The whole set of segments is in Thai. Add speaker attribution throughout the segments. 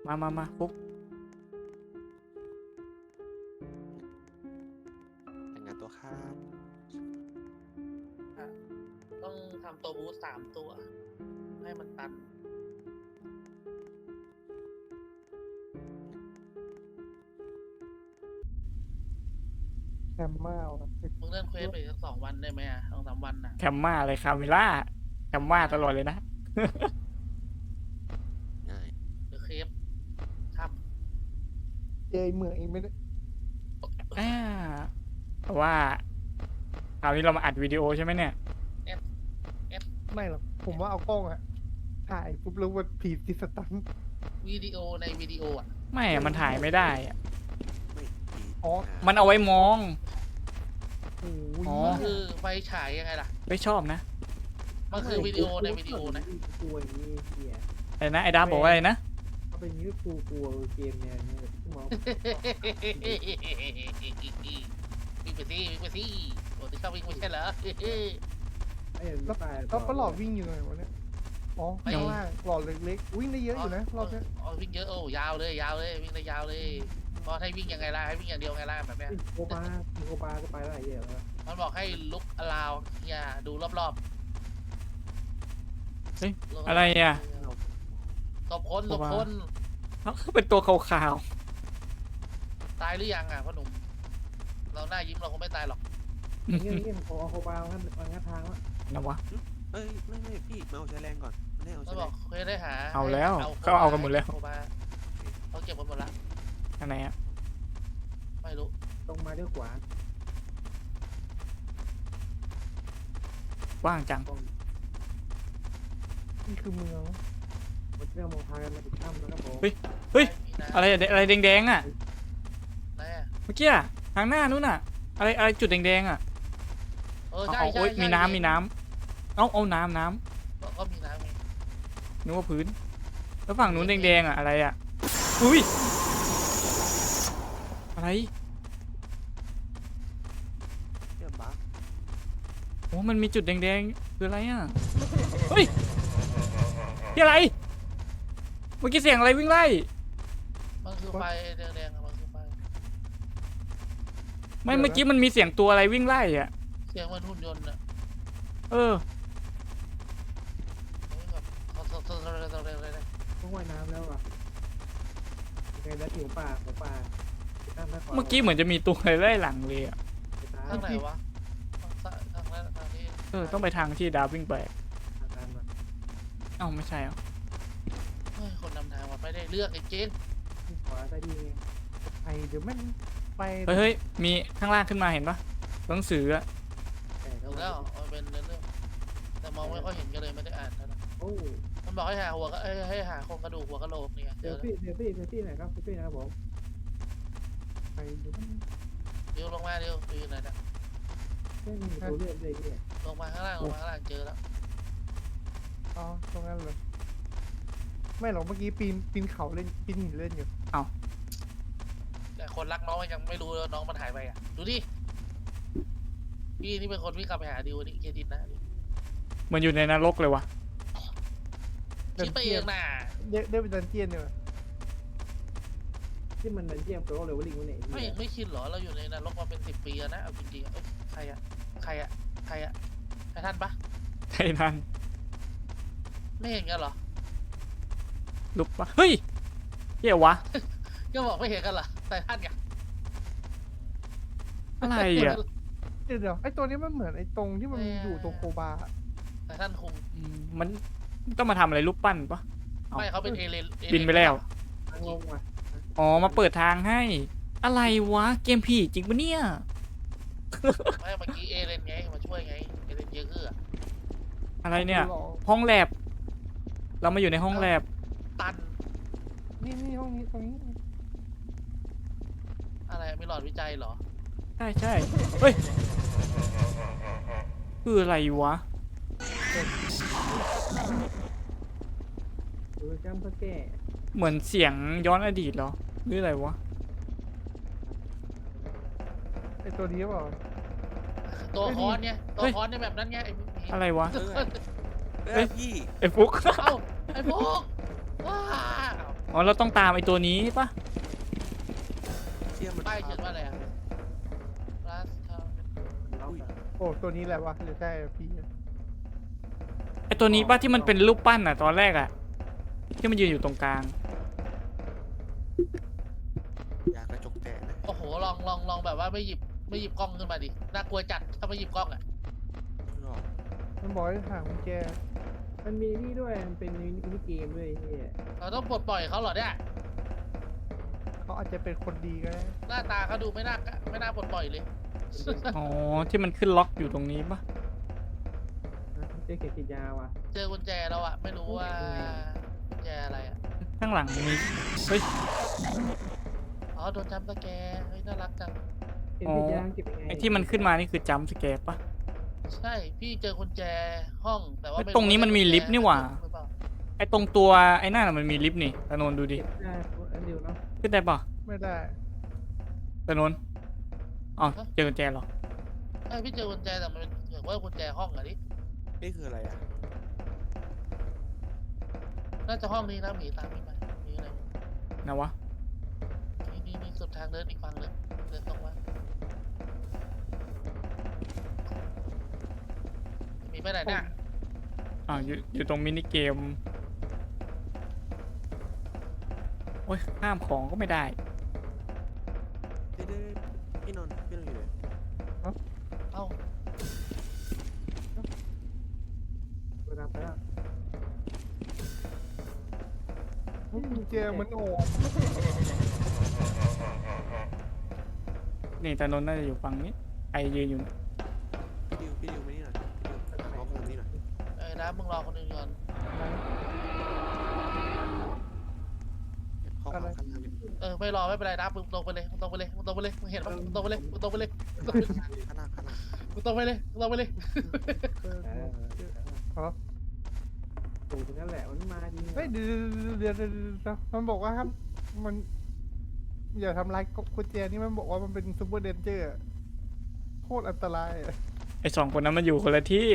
Speaker 1: มาปุ๊บ
Speaker 2: แต่งงานตัวครับ
Speaker 3: ต้องทำตัวบูส3 ตัว ให้มันตัน
Speaker 4: แคมเมาครับ
Speaker 3: มึงเล่นเควสไปสัก2 วันได้ไหมอ่ะ2-3 วันน่ะ
Speaker 1: แคมมาอะไรคาเมล่าแคมมาตลอดเลยนะ
Speaker 2: ง่าย
Speaker 3: หรือเคฟครับ
Speaker 4: เจอเหมืองเองไม่ได้
Speaker 1: อ่าเพราะว่าคราวนี้เรามาอัดวิดีโอใช่ไหมเนี่ย
Speaker 4: ไม่หรอกผมว่าเอากล้องอะถ่ายปุ๊บแล้วมันผีติดสตัน
Speaker 3: วิดีโอในวิดีโออ่ะ
Speaker 1: ไม่อะมันถ่ายไม่ได้อะ
Speaker 2: ไม่ดี
Speaker 4: อ๋อ
Speaker 1: มันเอาไว้มอง
Speaker 4: โอ้ย
Speaker 1: อ๋อ
Speaker 3: มันคือไฟฉายยังไงล่ะ
Speaker 1: ไม่ชอบนะ
Speaker 3: มันคือวิดีโอในวิดีโอนะ
Speaker 5: กลัวอย่างนี้เฮีย
Speaker 1: อะไรนะไอ้ดาบบอกว่าอะไรนะ
Speaker 5: ถ้าเป็นอย่างนี้กูกลัวเกมเนี่ยที่มอง
Speaker 3: วิ่งไปสิวิ่งไปสิโอ้ที่ชอบวิ่งไม่ใช่เหรอ
Speaker 5: ไอ้
Speaker 4: แล้ว
Speaker 5: ตาย
Speaker 4: แล้วประหลอดวิ่งอยู่ไหนวะเนี่ยอ๋อข้างล่างหลอดเล็กๆวิ่งได้เยอะอยู่นะรอบเนี้ย
Speaker 3: อ๋อวิ่งเยอะโอ้ยาวเลยวิ่งได้ยาวเลยเพราะให้วิ่งยังไงล่ะให้วิ่งอย่างเดียวไงล่ะแบบเนี้ย
Speaker 5: โอบาก็ไปได้เหี้ยแล้ว
Speaker 3: มันบอกให้ลุกอลาวเนี่ยดูรอบ
Speaker 1: เฮ้ย
Speaker 3: ๆ
Speaker 1: อะไรอ่ะ
Speaker 3: ตบคน
Speaker 1: เขาเป็นตัวขาว
Speaker 3: ตายหรือยังอ่ะพ่อหนุ่มเราหน้ายิ้มเราคงไม่ตายหรอก
Speaker 1: ๆ
Speaker 5: เงี้ยโอบางั้นทางวะ
Speaker 1: นะวะ
Speaker 2: เอ้ยไม่พี่มาเอาใช้แรงก่อนไม่ได้เอา
Speaker 3: เขา
Speaker 2: ใช้
Speaker 3: บ
Speaker 2: แร
Speaker 3: อก
Speaker 2: ง
Speaker 3: เคยได้หา
Speaker 1: เอาแล้ว
Speaker 3: ให้
Speaker 1: เขาเอากันหมดแล้ว
Speaker 3: โคบาเขาเก็บกันหมดละ
Speaker 1: อันไหนอะ
Speaker 3: ไม่รู้
Speaker 5: ตรงมาด้วยขวา
Speaker 1: ว่างจัง
Speaker 5: ตรง
Speaker 4: นี่คือเมือง
Speaker 5: มันเริ่มมองทางกันมาถึงถ้ำแล้วครับผม
Speaker 1: เฮ้ย
Speaker 3: มีน้ำ
Speaker 1: อะไรอะอะไรแดงๆอ่ะ
Speaker 3: ไหนอ่ะ
Speaker 1: เมื่อกี้อะทางหน้านู้นอ่ะ อะไรจุดแดงๆอ่ะ
Speaker 3: ใช่
Speaker 1: เอา
Speaker 3: ใช่
Speaker 1: โอ้ย
Speaker 3: ใช่
Speaker 1: มีน้ำเอาน้ำ
Speaker 3: ก็มีน้ำไง
Speaker 1: นึกว่าพื้น แล้วฝั่งนู้นแดงๆอ่ะอะไรอ่ะอุ้ยอะไร
Speaker 2: เยี่ยมบ้า
Speaker 1: โอ้มันมีจุดแดงๆคืออะไรอ่ะเฮ้ยที่อะไรเมื่อกี้เสียงอะไรวิ่งไล่
Speaker 3: มันคือไฟแดงๆอะมันคือไฟ
Speaker 1: ไม่เมื่อกี้มันมีเสียงตัวอะไรวิ่งไล่อ่ะ
Speaker 3: เสียงมันหุ่นยนต์อ่ะ
Speaker 1: เออ
Speaker 3: แบบเขาเลย
Speaker 5: ต้องว่ายน้ำแล้วอ่ะโอเคแล้วผิวป่าของป่า
Speaker 1: เมื่อกี้เหมือนจะมีตัวอะไรไล่หลังเลยอ่ะ
Speaker 3: ทางไหนวะทางซ้ายทางนั้นทางนี้
Speaker 1: ต้องไปทางที่ดาบวิ่งไป
Speaker 5: ทางมา
Speaker 1: เอ้าไม่ใช่เหรอ
Speaker 3: เฮ้ยคนนำทางมาไม่ได้เลือกไอ้เจน
Speaker 5: ขวาได้ดีไง
Speaker 4: ไปเดี๋ยวแม่งไป
Speaker 1: เฮ้ยมีข้างล่างขึ้นมาเห็นปะหนังสืออะ
Speaker 5: แต่
Speaker 3: ถูกแล้วมันเป็นเรื่องแต่มองไม่ค่อยเห็นกันเลยไม่ได้อ่านเท่าไหร่
Speaker 5: โอ้
Speaker 3: มันบอกให้หาหัวก็ให้หาโครงกระดูกหัวกะโหลกเนี่ยเจ
Speaker 5: เดี๋ยว
Speaker 3: อ
Speaker 5: พี่ไหนครับพี่นะครับผม
Speaker 4: ไปเดี๋ยวแม่ง
Speaker 3: เดี๋ยวลงมาเดี๋ยวอยู่ไหนนะ
Speaker 5: ไม่มีตัวเลือกเลยเนี่ย
Speaker 3: ลงมาข้างล่างเจอแล้ว
Speaker 4: อ๋อตรงนั้นเลยไม่หรอกเมื่อกี้ปีนเขาเล่นปีนหินเล่นอยู่
Speaker 3: แต่คนรักน้องยังไม่รู้น้องมันหายไปอ่ะดูดิพี่นี่เป็นคนวิ่งกลับไปหาดิวนี่เครดิตนะ
Speaker 1: เหมือนอยู่ในนรกเลยวะ
Speaker 3: คิดไปเองน่ะ
Speaker 4: ได้เป็นดันเจียนเนี่ยว่ะ
Speaker 5: ที่มันดันเจียมโปรเลยว่าลิงวันไหน
Speaker 3: ไม่คิดหรอเราอยู่ในนรกมาเป็น10 ปีแล้วนะเอาจริงๆใครอะใครท่านปะ
Speaker 1: ไททัน
Speaker 3: ไม่เห็นกันเหรอ
Speaker 1: ลุกปะเฮ้ยเหี้ยวะ
Speaker 3: ก็บอกไม่เห็นกันเหรอแต่ท่านไง
Speaker 1: อะไรอ่ะ
Speaker 4: เดี๋ยวไอ้ตัวนี้มันเหมือนไอ้ตรงที่มันอยู่ตรงโคบาอะ
Speaker 3: แต่ท่านคง
Speaker 1: มันต้องมาทำอะไรรูปปั้นปะ
Speaker 3: ไม่เขาเป็นเอเลน
Speaker 1: บินไปแล้ว
Speaker 5: ทางลงว่ะ
Speaker 1: อ๋อมาเปิดทางให้ อะไรวะเกมผีจริงปะเนี่ย
Speaker 3: ไม่เมื่อกี้เอเลนไงมาช่วยไงเอเลนเยอะคือ
Speaker 1: อะไรเนี่ย
Speaker 4: หรอ
Speaker 1: ห้องแลบเรามาอยู่ในห้องแลบ
Speaker 3: ตัน
Speaker 4: นี่ห้องนี้ตรงนี้
Speaker 3: อะไรมีหลอดวิจัยเหรอ
Speaker 1: ใช่เฮ้ยคืออะไรวะ
Speaker 5: ดูจำเพื่อแก้
Speaker 1: เหมือนเสียงย้อนอดีตเหรอหรืออะไรวะ
Speaker 4: ไอ้ตัวนี้เปล่า
Speaker 3: ตัวคอนเนี่ยตัวคอนในแบบนั้นไง
Speaker 1: อะไรวะ
Speaker 2: เอ้ยพี่
Speaker 1: ไอ้ฟุก
Speaker 3: เอ้าไอ้พวกว้า
Speaker 1: อ๋อเราต้องตามไอ้ตัวนี้ปะ
Speaker 2: เชี่ยมัน
Speaker 3: ป้ายเขียนว่าอะไรอะ last time
Speaker 5: ล็อกอะ
Speaker 4: โอ้ตัวนี้แหละวะหรือใช่พี่
Speaker 1: ไอ้ตัวนี้ปะที่มันเป็นรูปปั้นอ่ะตอนแรกอ่ะที่มันยืนอยู่ตรงกลาง
Speaker 2: อยากกระจกแตกนะ
Speaker 3: โอ้โหลองแบบว่าไม่หยิบกล้องขึ้นมาดิน่ากลัวจัดถ้าไม่หยิบกล้องอ่ะ
Speaker 2: หรอก
Speaker 4: มันบอกให้หากุญแจ
Speaker 5: มันมีนี่ด้วยมันเป็นมินิเกมด้วยไอ้เฮีย
Speaker 3: เราต้องปลดปล่อยเขาเหรอเนี่ย
Speaker 4: เขาอาจจะเป็นคนดีก็ได้
Speaker 3: หน้าตาเขาดูไม่น่าปลดปล่อยเลย
Speaker 1: อ๋อที่มันขึ้นล็อกอยู่ตรงนี้ปะ
Speaker 5: เจ๊เขียนขีดยาวอ่ะ
Speaker 3: เจอกุญแจแล้วอะไม่รู้ว่ากุญแจอะไรอะ
Speaker 1: ข้างหลังมีเฮ้ย
Speaker 3: อ๋อโดนจัมป์สแกร์เฮ้ยน่ารักจัง
Speaker 5: เขียนขีดยาวเก็บยังไง
Speaker 1: ไอ้ที่มันขึ้นมานี่คือจัมป์สแกร์ปะ
Speaker 3: ใช่พี่เจอกุญแจห้องแต่ว่า
Speaker 1: เฮ้ยตรงนี้มันมีลิฟต์นี่หว่า
Speaker 3: หรือเปล่า
Speaker 1: ไอ้ตรงตัวไอ้นั่นน่ะมันมีลิฟต์นี่ตะโนนดูดิ
Speaker 5: เก็บได้อันเดียวเนาะ
Speaker 1: ขึ้นได้ปะ
Speaker 4: ไม่ได้
Speaker 1: ตะโนนอ๋อเจอกุญแจเหรอ
Speaker 3: ใช่พี่เจอกุญแจแต่มันเป็นเหมือนว่ากุญแจห้องอะดิ
Speaker 2: นี่คืออะไรอ่ะ
Speaker 3: น่าจะห้องนี้นะหมีตามพี่มามีอะไร
Speaker 1: นะวะ
Speaker 3: นี่สุดทางเดินอีกฝั่งนึงเดินตรงมามีไปไหนเนี่ย
Speaker 1: อ่าวอยู่ตรงมินิเกมโอ้ยห้ามของก็ไม่ได้
Speaker 2: เด้พี่นนท์อยู่ไหน
Speaker 3: เอ้า
Speaker 5: เวลาไปแล้ว
Speaker 4: กุญแจมันโอ้
Speaker 1: นี่ตะโนนน่าจะอยู่ฝั่งนี้ไอยืนอยู่
Speaker 2: พี่ดิวมานี่หน่อยพี่ดิวเอาของนี่หน่อย
Speaker 3: เอ้ยนะมึงรอคนอื่นก่อน
Speaker 2: เข้าข้างล่างดิ
Speaker 3: ไม่รอไม่เป็นไรนะมึงตรงไปเลยมึงตรงไปเลยมึงตรงไปเลยมึงเห็นปะมึงตรงไปเลยมึงตรงไปเลย
Speaker 2: ข้างล่าง
Speaker 3: มึงตรงไปเลยมึงตรงไปเลย
Speaker 5: ถูกตรงนั้นแหละมันมาดี
Speaker 4: เฮ้ยเดี๋ยวมันบอกว่าครับมันอย่าทำร้ายกุญแจนี่มันบอกว่ามันเป็นซูเปอร์เดนเจอร์โคตรอันตรายอะ
Speaker 1: ไอสองคนนั้นมันอยู่คนละที่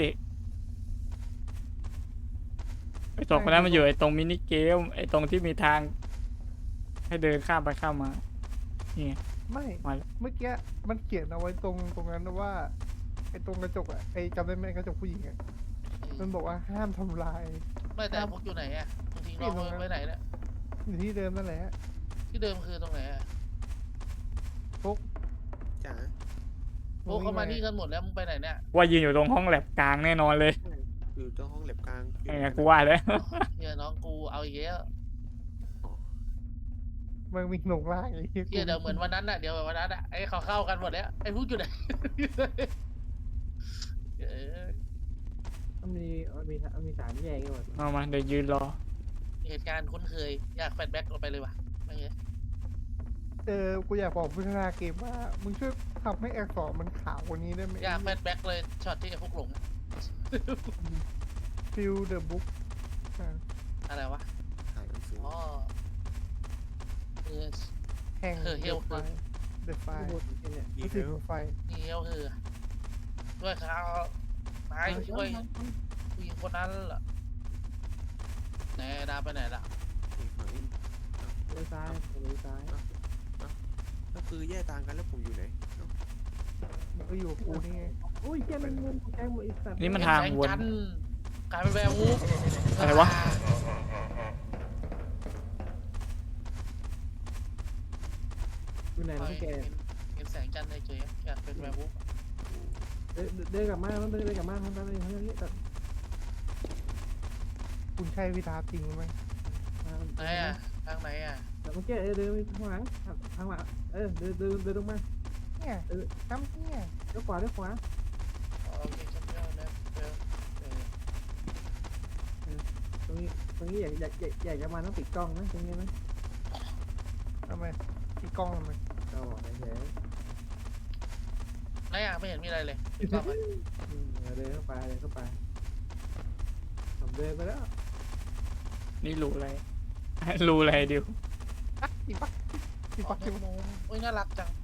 Speaker 1: ไอสองคนนั้นมันอยู่ไอตรงมินิเกมไอตรงที่มีทาง ให้เดินข้ามไปข้ามมานี่ไง
Speaker 4: ไม่
Speaker 1: มาแล้ว
Speaker 4: เมื่อกี้มันเขียนเอาไว้ตรงนั้นนะว่าไอ้ตรงกระจกอะไอ้จำได้ไหมกระจกผู้หญิงอะมันบอกว่าห้ามทำลาย
Speaker 3: ไม่แต่พวกอยู่ไหนอ่ะมึงทิ้งน้องไว้ไหนเนี่ย
Speaker 4: อยู่ที่เดิมนั่นแหละ
Speaker 3: ที่เดิมคือตรงไหนอ่ะ
Speaker 2: จ๋า
Speaker 3: พวกเขามานี่กันหมดแล้วมึงไปไหนเนี่ย
Speaker 1: ว่ายืนอยู่ตรงห้องแลบกลางแน่นอนเลย
Speaker 2: อยู่ตรงห้องเล็บกลาง
Speaker 1: ไงกูว่าเลย
Speaker 3: เฮียน้องกูเอาอีกแล้ว
Speaker 4: มันมีหนงล่างไอ้เหี้ย
Speaker 3: เฮียเดี๋ยวเหมือนวันนั้นอ่ะเดี๋ยววันนั้นอ่ะไอ้เขาเข้ากันหมดแล้วไอ้พวกอยู่ไหน
Speaker 5: มันมีสามแยกกันหมด
Speaker 1: เอามาเดี๋ยวยืนรอ
Speaker 3: เหตุการณ์คุ้นเคยอยากแฟลชแบ็กออกไปเลยว่ะไม่เงี้ย
Speaker 4: กูอยากบอกพัฒนาเกมว่ามึงช่วยทำให้อักษรมันขาวกว่านี้ได้ไหม
Speaker 3: อยากแฟลชแบ็กเลยช็อตที่ไอ้พวกหลงอะ
Speaker 4: ฟิลเดอะบุ๊ก
Speaker 3: อะไรวะ
Speaker 2: ถ่ายหนังสือ
Speaker 3: อ๋อเออ
Speaker 4: แห่ง
Speaker 3: เฮล
Speaker 4: ไฟเดอะไฟ
Speaker 5: ข้างบนเนี่ย
Speaker 2: ดี
Speaker 4: ก็
Speaker 2: เท
Speaker 4: คือ
Speaker 2: ล
Speaker 4: ไฟ
Speaker 3: นี่เฮลคือด้วยเขานายช่วยผู้หญิงคนนั้นเหรอไหนดาไปไหนล่ะ
Speaker 2: ฝั่งนี้
Speaker 5: เลี้ยวซ้ายเลี้ยวซ้าย
Speaker 2: ก็คือแยกทางกันแล้วผมอยู่ไหน
Speaker 4: มันก็อยู่กับกูนี่ไง
Speaker 5: โอ้ยแค่มันมุมแกงหมดอีสัตว์
Speaker 1: นี่มันทางวน
Speaker 3: แสจัทร์กลายเป็นแวร์วูฟ
Speaker 1: อะไรวะ
Speaker 5: อยู่ไหน
Speaker 3: เ
Speaker 5: น้องแก
Speaker 3: เห็นแสงจันทร์เฉยๆอยากเป็นแวร์วูฟ
Speaker 5: เดินกลับมาเดินกลับมาทำอะไรทำอะไรแต่
Speaker 4: คุณใช่วิธาจริงไหม
Speaker 3: ไหนอ่ะทางไหนอ่ะ
Speaker 5: แต่เมื่อกี้เดินไปข้างหลังทางหลังเดินลงมา
Speaker 4: เนี่ยน้ำเนี่ย
Speaker 5: เลี้ยวขวาเลี้ยวขวา
Speaker 3: อ๋อโอเคจำได้แล้วเจอ
Speaker 5: ตรงนี้อยากจะมาต้องปิดกล้องนะตรงนี้นะ
Speaker 4: ทำไมที่กล้องทำไม
Speaker 5: เราบอกเฉย
Speaker 3: ไหนอ่ะไม่เห็นมีอะไรเลยปิดกล้องไว้
Speaker 5: เดินเข้าไปผมเดินไปแล้ว
Speaker 1: นี่รู้อะไร รู้อะไรดิว
Speaker 4: อ่ะอีปักอี
Speaker 3: อ๋อ
Speaker 4: ปัก
Speaker 3: แมงมุมอุ้ยน่ารักจัง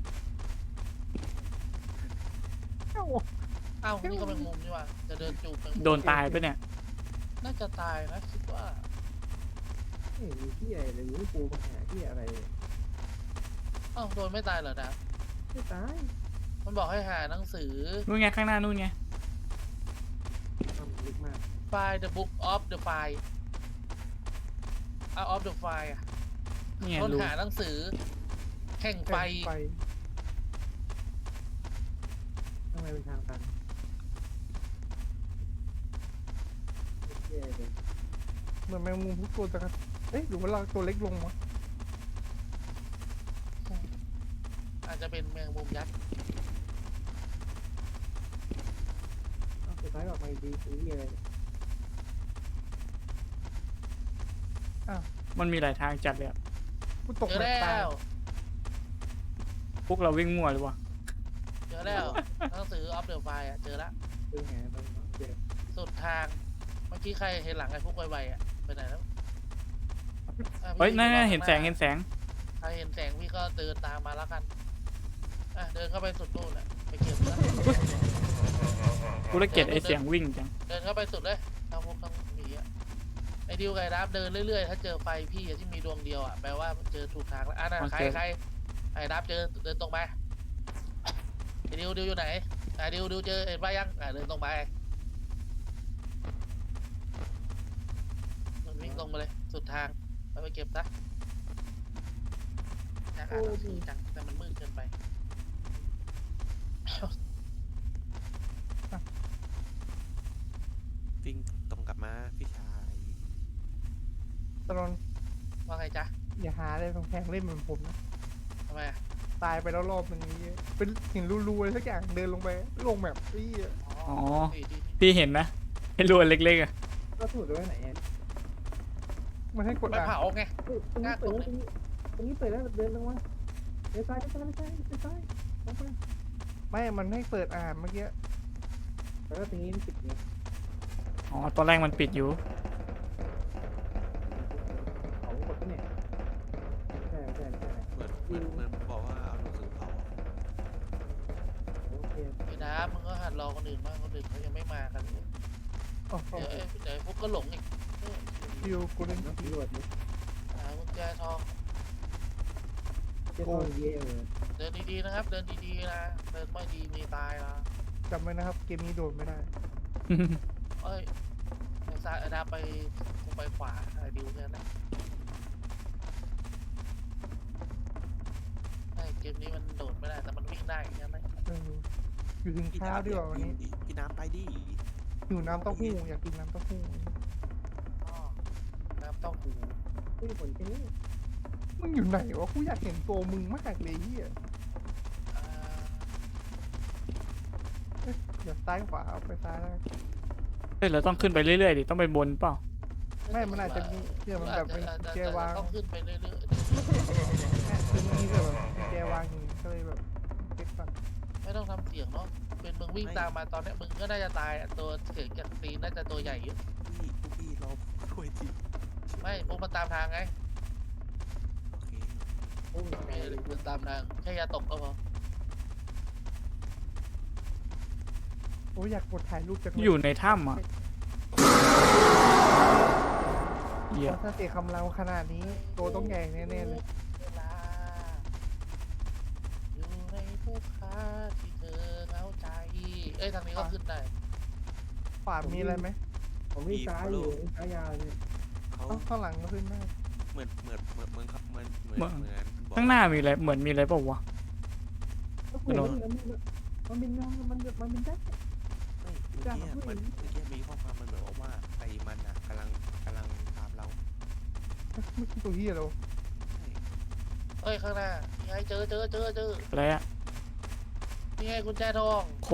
Speaker 4: เอ้า
Speaker 3: อ้าวนี่ก็แมงมุมนี่หว่าจะเดินจูบแมงมุม
Speaker 1: โดนตายปะเนี่ย
Speaker 3: น่าจะตายนะคิดว่า
Speaker 5: ไม่เห็นมีที่อะไรเลยรู้ปูมาหาที่อะไรเลย
Speaker 3: อ้าวโดนไม่ตายเหรอนะ
Speaker 5: ไม่ตาย
Speaker 3: มันบอกให้หาหนังสือ
Speaker 1: นู่นไงข้างหน้านู่นไง
Speaker 5: ทำลึกมาก
Speaker 3: Find the book of the fire out of the fire อะ
Speaker 1: นี่ไง
Speaker 3: ค้น
Speaker 1: รู
Speaker 3: หาหนังสือแห่งไฟ
Speaker 4: ไฟ
Speaker 5: ทำไมเป็นทางตันไม่ใช่เลย
Speaker 4: เหมือนแมงมุมทุกตัวจังครับเอ๊ะหรือว่าเราตัวเล็กลงวะ
Speaker 3: อาจจะเป็นแมงมุมยักษ์
Speaker 5: เอาสุดท้ายออกมาดีคือที่อะไร
Speaker 1: มันมีหลายทางจัดเลยอะ
Speaker 4: กูตก
Speaker 3: เจอ
Speaker 4: แบบ
Speaker 3: แล้
Speaker 4: ตายว
Speaker 1: พวกเราวิ่งมั่วหรือวะ
Speaker 3: เจอแล้วหนังสือ of the fire อะเจอละ
Speaker 5: คือไงตอนเจอ
Speaker 3: สุดทาง เมื่อกี้ใครเห็นหลังไอ้พวกไวๆอ่ะไปไหนแล้วอ่ะ
Speaker 1: เฮ้ย
Speaker 3: พี่
Speaker 1: นั่น
Speaker 3: อยู่
Speaker 1: เห็น
Speaker 3: ข้า
Speaker 1: แสง
Speaker 3: หา
Speaker 1: เห็นแสง
Speaker 3: ใครเห็นแสงพี่ก็เดินตามมาแล้วกันอ่ะเดินเข้าไปสุดนู่นอ่ะไปเก็บนะ
Speaker 1: กูเลยเกลียดไอ้เสียงวิ่งจัง
Speaker 3: เดินเข้าไปสุดเลยทางพวกทางหมีอ่ะไอ้ดิวไก่ดับเดินเรื่อยๆถ้าเจอไฟพี่อะที่มีดวงเดียวอ่ะแปลว่าเจอถูกทางแล้วอ่ะนั่นใครไอ้ดับเจอเดินตรงไปไอ้ดิวอยู่ไหนไอ้ดิวเจอเห็นป่ะยังเดินตรงไปมันวิ่งตรงมาเลยสุดทางแล้วไปเก็บซะอยากอ่านหนังสือจังแต่มันมืดเกินไป
Speaker 2: วิ่งตรงกลับมาพี่ชาย
Speaker 4: ตลอด
Speaker 3: ว่าไงจ๊ะ
Speaker 4: อย่าหาอะไรแพงๆเล่นเหมือนผมนะ
Speaker 3: ทำไมอ่ะ
Speaker 4: ตายไปแล้วรอบหนึงนี้เป็นหินรูๆอะไรสักอย่างเดินลงไปลงแบบอี้
Speaker 1: อ๋อ
Speaker 3: ดี
Speaker 1: พี่เห็นนะไอ้รวนเล็กๆอะ
Speaker 5: ก็ถูกด้วยไหนอ่ะ
Speaker 4: มันให้กด
Speaker 3: ไม่
Speaker 4: อ่าน
Speaker 3: เผาไง
Speaker 5: เฮ้ยตรงนี้เปิดแล้วตรงนี้เปิดแล้วเดินลงมาเดินซ้ายเดินซ้ายเดินซ้ายเดินซ้ายลงไป
Speaker 4: ไม่มันให้เปิดอ่านเมื่อกี้
Speaker 5: แล้วก็ตรงนี้ปิดไง
Speaker 1: อ๋อตอนแรกมันปิดอยู่
Speaker 5: เขากดปะเนี่ยใช่ใช่ใช่
Speaker 2: เหมือนบอกว่าเอาหนังสือเผา
Speaker 5: โอเค
Speaker 3: ไอ้น้ำมึงก็หัดรอคนอื่นบ้างคนอื่นเขายังไม่มากันเลย
Speaker 4: อ๋อ
Speaker 3: เดี๋ยวพวกก็หลงอีก
Speaker 4: ฟิวกูเล่น
Speaker 5: น้ำตำรวจนี่
Speaker 3: หากุญแจทอง
Speaker 5: เจ้าต้องเย่เลย
Speaker 3: เดินดีๆนะครับ เดินดีๆนะเดินไม่ดีมีตายนะ
Speaker 4: จำไว้นะครับเกมนี้โดนไม่ได้
Speaker 3: เอ้ยไอ้ซ้ายไอ้ดาไปกูไปขวาไอ้ดิวแค่นั้นไอ้เกมนี้มันโดดไม่ได้แต่มันวิ่งได้แค่นั้น
Speaker 4: เอออยู่ถึง
Speaker 2: พี่
Speaker 4: เช้าดีกว่าวันนี้
Speaker 2: พี่น้ำไปดิ
Speaker 4: หิวน้ำเต้าหู้อยากกินน้ำเต้าหู้
Speaker 3: อ้อน้ำเต้าหู้
Speaker 5: ไม่มีผลแค่นี้
Speaker 4: มึงอยู่ไหนวะกูอยากเห็นตัวมึงมากเลยเฮีย
Speaker 3: อ่า
Speaker 4: เดี๋ยวซ้ายขวาเอาไปซ้ายแล้วกัน
Speaker 1: เฮ้ยเราต้องขึ้นไปเรื่อยๆดิต้องไปบนเปล่า
Speaker 4: ไม่มันอาจจะมีเชื่อมันแบบเป็น
Speaker 3: อาจจะ
Speaker 4: แจวาง
Speaker 3: ต้องขึ้นไปเรื่อย
Speaker 4: คือมันมีแบบแจวางอยู่ก็เลยแบบเก็บก่อน
Speaker 3: ๆไม่ต้องทำเสียงเนาะเป็นมึงวิ่งตามมาตอนเนี้ยมึงก็น่าจะตายอะตัวเกิดจากตีนน่าจะตัวใหญ่เยอะ
Speaker 2: พี่เราช่วยที
Speaker 3: ไม่พวกมันตามทางไง
Speaker 2: โอเค
Speaker 5: โอ้ย
Speaker 3: ไม่ได้มันตามทางแค่อย่าตกก็พอ
Speaker 4: โอ้ยอยากกดถ่ายรูปจังเลย
Speaker 1: อยู่ในถ้ำอ่ะเหี้ย
Speaker 4: เพราะถ้าเตะคำเราขนาดนี้ตัวต้องใหญ่แน่ๆเลย
Speaker 3: เวลาอยู่ในทุกคราที่เธอเหงาใจเอ้ยทางนี้ก็ขึ้นได้
Speaker 4: ขวามีอะไรไหม
Speaker 5: ผมวิ่งซ้ายอยู่วิ่งซ้ายยาวเลย
Speaker 2: เขา
Speaker 4: เอ้าข้างหลังก็ขึ้นได้
Speaker 2: เหมือนครับเหมือนบอก
Speaker 1: ข้างหน้ามีอะไรเหมือนมีอะไรเปล่าวะ
Speaker 5: โอ้โหมันเป็นน้องมันเป็นแจ็ค
Speaker 2: เมื่อกี้มีข้อความมันเหมือนว่าไอ้มันอ่ะกำลังตามเรา
Speaker 4: ไม่ใช่ตัวเฮียเรา
Speaker 3: เอ้ยข้างหน้านี่ไงเจอ
Speaker 1: อะไรอะ
Speaker 3: นี่ไงกุญแจทอง
Speaker 1: คน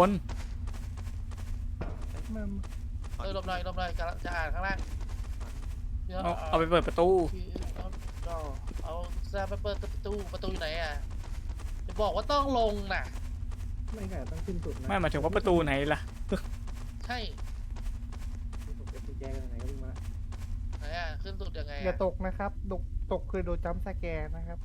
Speaker 4: มัน
Speaker 3: หลบหน่อยกำลังจะอ่านข้างล่างเดี๋ยว
Speaker 1: เอาไปเปิดประตู
Speaker 3: เอาแซมไปเปิดประตูอยู่ไหนอ่ะจะบอกว่าต้องลงน่ะ
Speaker 5: ไม่ค่ะต้องขึ้นสุดนะ
Speaker 1: ไม่หมายถึงว่าประตูไหนล่ะ
Speaker 3: ใช่
Speaker 5: ผมเป็นกุญแจกันไหนก็วิ่งมา
Speaker 3: ไหนอ่ะขึ้นสุดยังไง
Speaker 4: อย่า
Speaker 3: อ่ะ
Speaker 4: ตกนะครับตกคือโดนจัมป์สแกนนะครับ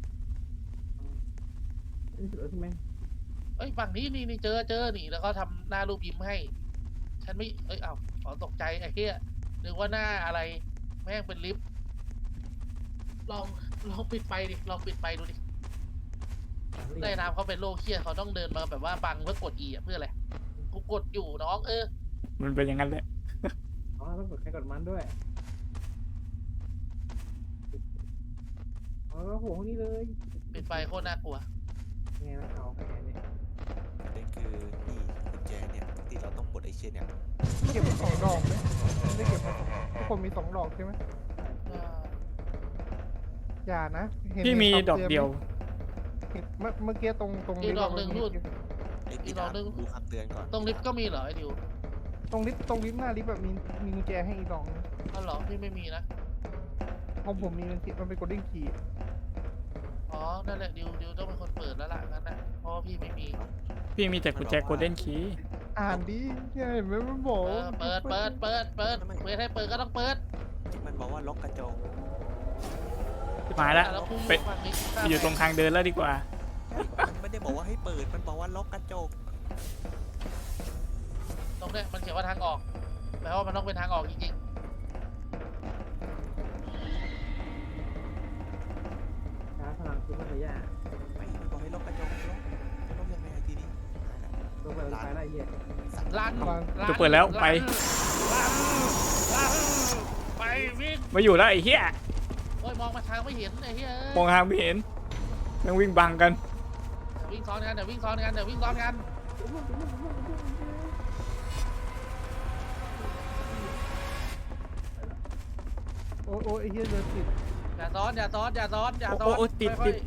Speaker 5: นี่สุดแล้วใช่ไหม
Speaker 3: เอ้ยฝั่งนี้นี่เจอนี่แล้วก็ทำหน้ารูปยิ้มให้ ฉันไม่เอ้ยขอตกใจไอ้เหี้ยนึกว่าหน้าอะไรแม่งเป็นลิฟต์ลองปิดไฟดิลองปิดไฟดูดิได้น้ำเขาเป็นโรคเครียดเขาต้องเดินมาแบบว่าบังเพื่อกดอีอะเพื่ออะไรกูกดอยู่น้อง
Speaker 1: มันเป็นอย่างนั้นแหละ
Speaker 5: อ๋อต้องกดใครกดมันด้วยอ๋อโหนี่เลย
Speaker 3: ปิดไฟโคตรน่ากลัว
Speaker 5: ไงนะเอาไงเนี่ย
Speaker 2: ประเด็นคือนี่กุญแจเนี่ยปกติเราต้องกดไอ้เช่นเนี่ย
Speaker 4: เก็บมาสองดอกไหมไม่ได้เก็บมาสองทุกคนมีสองดอกใช่ไหมอย่านะเห็น
Speaker 1: พี่มี
Speaker 4: เห็น
Speaker 1: ดอกเดียว
Speaker 4: เห็นเมื่อกี้ตรง
Speaker 3: อีกดอกหนึ่งนู่น
Speaker 2: ไอ้พี่ดาวดูคำเตือนก่อน
Speaker 3: ตรงลิฟต์ก็มีเหรอไอ้ดิว
Speaker 4: ตรงลิฟต์หน้าลิฟต์แบบมีกุญแจให้อีกดอกนึง
Speaker 3: อ๋อเหรอพี่ไม่มีนะ
Speaker 4: ของผมมีมันเป็นโกลเด้นคีย์
Speaker 3: อ๋อนั่นแหละดิวต้องเป็นคนเปิดแล้วล่ะงั้นนะเพราะว่าพี่ไม่มี
Speaker 1: พี่มีแต่กุญแจโกลเด้นคีย์
Speaker 4: อ่านดิเนี่ยเห็นไหมมันบอก
Speaker 3: เปิดเปิดให้เปิดก็ต้องเปิด
Speaker 2: มันบอกว่าล็อกกระจก
Speaker 1: มาแล้ว
Speaker 3: แล้วกู
Speaker 1: ไป
Speaker 3: ฝั่งนี้
Speaker 1: ไปอยู่ตรงทางเดินแล้วดีกว่า
Speaker 2: มันไม่ได้บอกว่าให้เปิดมันบอกว่าล็อกกระจก
Speaker 3: ตรงเนี้ยมันเขียนว่าทางออกแปลว่ามันต้องเป็นทางออกจริง
Speaker 5: ช้าพลังคือมันระยะ
Speaker 2: ไม่มันบอกให้ล็อกกระจกล็อกยังไงทีนี้
Speaker 5: ตัวเปิดไฟได้เหี้ย
Speaker 3: ๆลั่น
Speaker 1: จะเปิดแล้วไป
Speaker 3: ไปวิ่ง
Speaker 1: มาอยู่แล้วไอ้เหี้ย
Speaker 3: โอ้ยมองมาทางไม่เห็นไอ้เหี้ย
Speaker 1: มองทางไม่เห็นยังวิ่งบังกัน
Speaker 3: เดี๋ยววิ่งซ้อนกันเดี๋ยววิ่งซ้อนกัน
Speaker 4: โอ้ยไอ้เหี้ยเดินติด
Speaker 3: อย่าซ้อน
Speaker 1: โอ้ติด
Speaker 3: ค่อย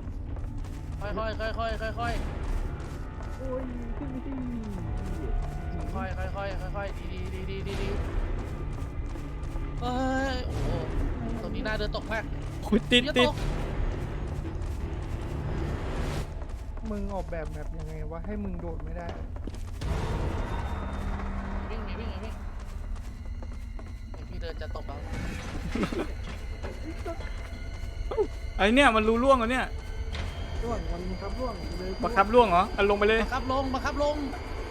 Speaker 3: ๆ
Speaker 5: โอ้ยขึ้นไปสิ
Speaker 3: ค่อยๆดีเอ้ยโอ้โหตรงนี้น่าเดินตกมาก
Speaker 1: คุยติด
Speaker 3: เดี๋ยว
Speaker 1: ติด
Speaker 3: ตก
Speaker 4: มึงออกแบบยังไงวะให้มึงโดดไม่ได้
Speaker 3: วิ่งไอ้พี่เดินจะตกแล้ว
Speaker 1: ไอ้เนี่ยมันรู้ล่วงเหรอเนี่ย
Speaker 5: ร่วงมันครับร่วงเลย
Speaker 1: บังคับล่วงเหรอเอาลงไปเลย
Speaker 3: บังคับลง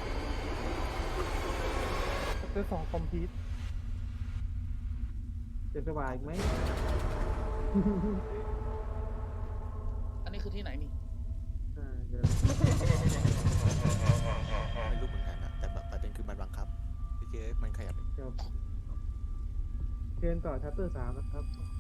Speaker 4: เจอ2 คอมพิวต์
Speaker 5: จะสบายไหม
Speaker 3: อันนี้คือที่ไหนนี่
Speaker 5: เดี๋ยว
Speaker 2: ไม่รู้เหมือนกันนะแต่แบบประเด็นคือมันบังคับไอ้เจ๊มันขยับ
Speaker 5: เชิญต่อชัปเตอร์ 3นะครับ